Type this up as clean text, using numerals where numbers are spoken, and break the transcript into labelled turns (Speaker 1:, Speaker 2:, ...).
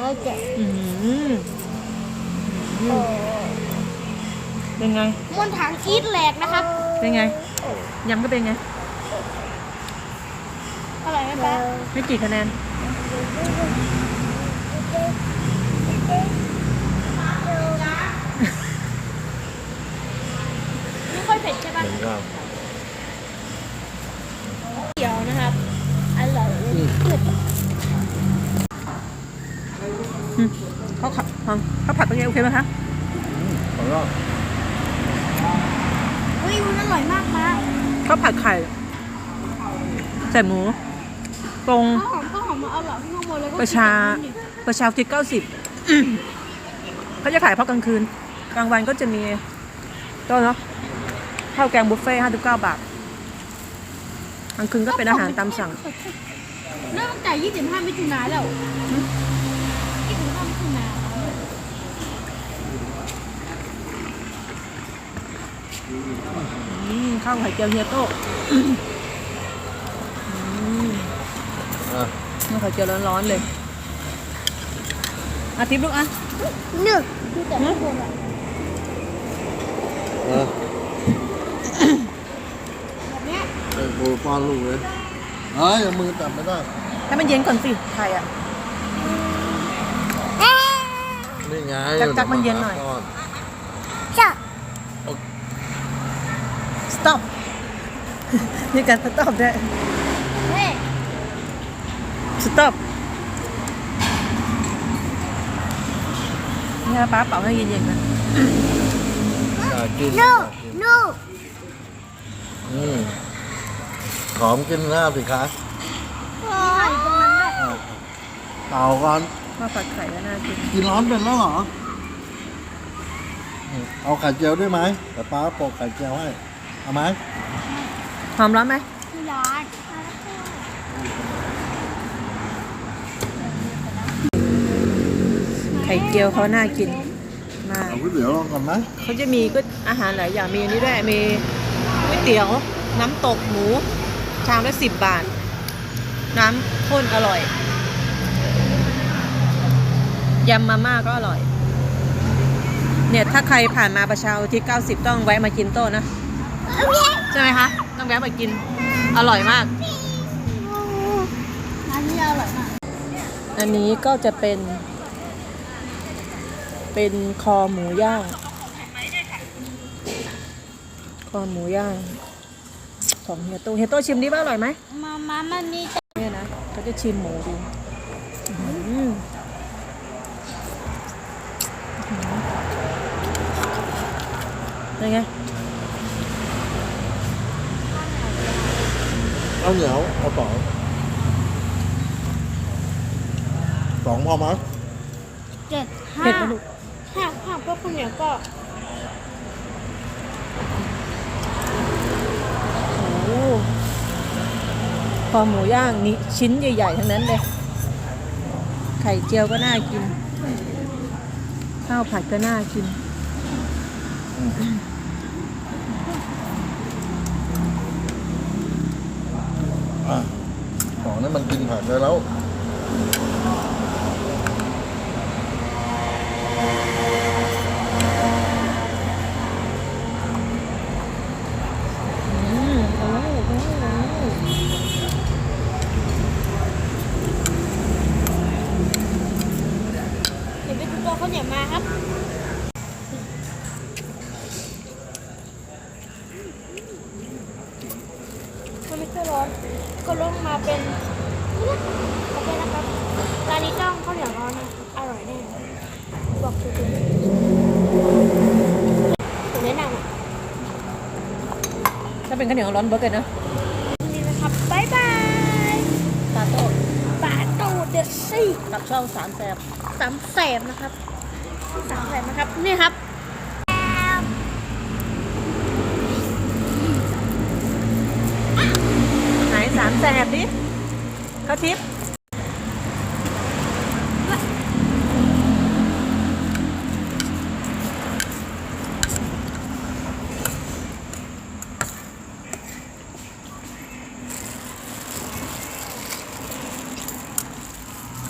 Speaker 1: แล้วจะ
Speaker 2: เป็นไง
Speaker 1: มวนถังอีทแหลกนะครับ
Speaker 2: เป็นไงยำก็เป็นไง
Speaker 1: อร่อยไหมป๊า
Speaker 2: ให้กี่คะแนน
Speaker 1: ไม่ค่อยเผ็ดใช่ปะเดี๋ยวนะครับอร่อย
Speaker 2: เขาผัดเป็นไงโอเคไหมคะ
Speaker 3: อร่อย
Speaker 1: เฮ้ยมันอร่อยมากป๊า
Speaker 2: เขาผัดไข่ใส่หมูตรง
Speaker 1: ข้าวหอมมาเอาหล่อที่ข้างบนแล้วก็
Speaker 2: ประชาคิด90เขาจะขายเพราะกลางคืนกลางวันก็จะมีก็เนาะข้าวแกงบุฟเฟ่59 บาทกลางคืนก็เป็นอาหารตามสั่ง
Speaker 1: เริ่มตั้งแต่25 มิถุนายนแล้ว25 มิถุนายน
Speaker 2: ข้าวไข่เจียวเฮียโต้ข้าวไข่เจียวร้อนๆเลยอาทิตย์ลูกอ่ะ
Speaker 1: นึกแต่ไม่ควรอ่ะแบบเนี้ย
Speaker 3: ไอ้โบป้อนลูกเลยอย่ามือจับไม่ได้
Speaker 2: ให้มันเย็นก่อนสิไข่อ่ะ
Speaker 3: นี่ไง
Speaker 2: จักมันเย็นหน่อย
Speaker 1: จ้ะ
Speaker 2: stop นี่การ stop ได้ stop นี่ป้าเป่าให้เย็นๆนะ
Speaker 3: กินหอมกินหน้าสิคะเป่าก่อน
Speaker 2: มาผัดไข่ก็น่ากิน
Speaker 3: กินร้อนเป็นแล้วเหรอเอาไข่เจียวด้วยไหมแต่ป้าโปะไข่เจียวให้เอาไหม
Speaker 2: หอมร้อนไหม
Speaker 1: ร้อน
Speaker 2: ไข่เจียวเขาน่ากินมาก
Speaker 3: เอาก๋วยเตี๋ยวลองก่อนไหม
Speaker 2: เขาจะมีก็อาหารหลายอย่างมีอันนี้ด้วยมีก๋วยเตี๋ยวน้ำตกหมูชามละ10 บาทน้ำข้นอร่อยยำมาม่าก็อร่อยเนี่ยถ้าใครผ่านมาประชาอุทิศ90ต้องแวะมากินโต๊ะนะใช่ไหมคะต้องแวะมากินอร่อยมาก
Speaker 1: อันนี้อร่อยมาก
Speaker 2: อันนี้ก็จะเป็นคอหมูย่างของเฮียโต้ชิมดิว่าอร่อยไหม
Speaker 1: มามันนี่
Speaker 2: เนี่ยนะเขาจะชิมหมูดูยังไง
Speaker 3: เอาเหนียวเอา2พอไหม
Speaker 1: 7 5
Speaker 2: เผ็ดไหมลูก
Speaker 1: 5พวกคุณเนี่ยก็
Speaker 2: คอหมูย่างนี่ชิ้นใหญ่ๆทั้งนั้นเลยไข่เจียวก็น่ากินข้าวผัดก็น่ากิน
Speaker 3: ของนี่มันกินผักได้แล้ว
Speaker 1: ข้าวเหนียวมาครับมันไม่ค่อยร้อนก็ลงมาเป็นโอเคนะครับร้านนี้ต้องข้าวเหนียวร้อนนะอร่อยแน่บอกจริงๆผมแนะนำ
Speaker 2: ถ้าเป็นข้าวเหนียวร้อนเบอร์เกอร์นะ
Speaker 1: นี่นะครับบ๊ายบาย
Speaker 2: ปาโต้
Speaker 1: เด็ดซี่
Speaker 2: กับช่อง3 แสบ
Speaker 1: นะครับนี่ครับ
Speaker 2: ไหน3 แสบดิเขาทิป